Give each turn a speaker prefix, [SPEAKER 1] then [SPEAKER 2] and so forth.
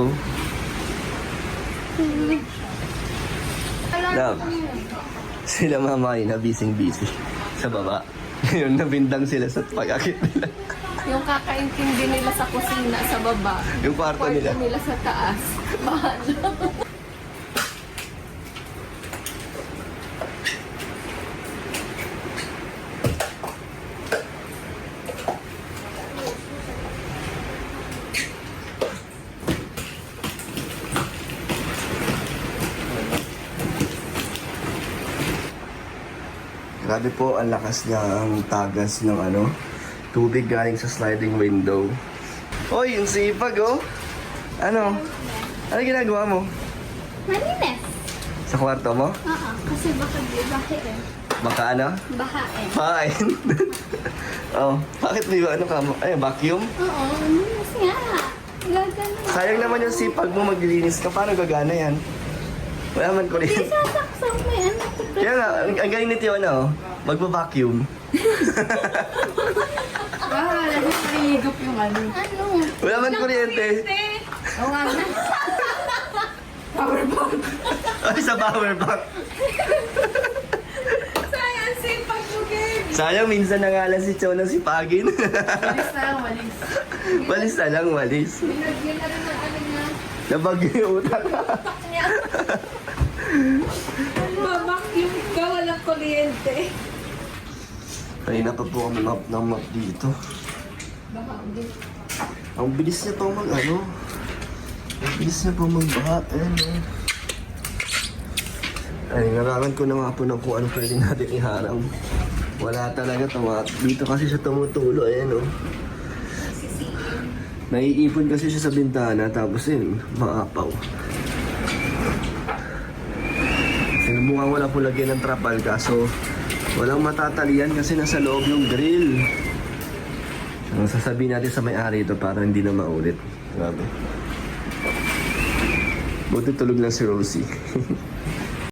[SPEAKER 1] oh. Love. Sila mama ay na busy sa baba. Ngayon, nabindang sila sa pag-akit nila.
[SPEAKER 2] Yung kakaintindi nila sa kusina sa baba.
[SPEAKER 1] Yung kwarto nila.
[SPEAKER 2] nila sa taas. Bahala.
[SPEAKER 1] Grabe po, ang lakas ng tagas ng tubig galing sa sliding window. Hoy, yung sipag oh! Ano? Ano ginagawa mo?
[SPEAKER 3] Malinis.
[SPEAKER 1] Sa kwarto mo?
[SPEAKER 3] Oo, kasi baka bahain.
[SPEAKER 1] Baka ano?
[SPEAKER 3] Bahain.
[SPEAKER 1] Fine. Oh, bakit may ka mo? Ay, vacuum?
[SPEAKER 3] Oo, malinis nga. Gagano.
[SPEAKER 1] Sayang naman yung sipag mo maglilinis ka. Paano gagana yan? Wala man ko rin.
[SPEAKER 3] Hindi sasaksak may anak ko.
[SPEAKER 1] Kaya nga, ang galing ni Tiona oh. Magpa-vacuum.
[SPEAKER 2] Nahihigop yung ano.
[SPEAKER 3] Ano?
[SPEAKER 1] Wala man kuryente.
[SPEAKER 2] Oo nga na.
[SPEAKER 1] Ay, sa power bank.
[SPEAKER 2] Sayang sipag mo, Gabe.
[SPEAKER 1] Sayang, minsan na nga lang si Tiona sipagin.
[SPEAKER 2] Walis na lang, walis.
[SPEAKER 1] Walis na lang, walis.
[SPEAKER 2] Binagyan na rin ng ano niya.
[SPEAKER 1] Nabagyo yung utak.
[SPEAKER 2] Mamakyum ka, walang kuryente.
[SPEAKER 1] Kanina pa po kami map ng map dito.
[SPEAKER 2] Baka ulit.
[SPEAKER 1] Ang bilis niya pa Ang bilis niya pa magbaha. Ayan oh. Ay, narangan ko na nga po ng kung ano pwede natin iharang. Wala talaga dito kasi siya tumutulo. Ayan oh. Naiipon kasi siya sa bintana tapos yun, maapaw. Sinubukan ko na po lagyan ng trapal kaso walang matatalian kasi nasa loob yung grill. Ang sasabihin natin sa may-ari ito para hindi na maulit. Grabe. Buti tulog lang si Rosie.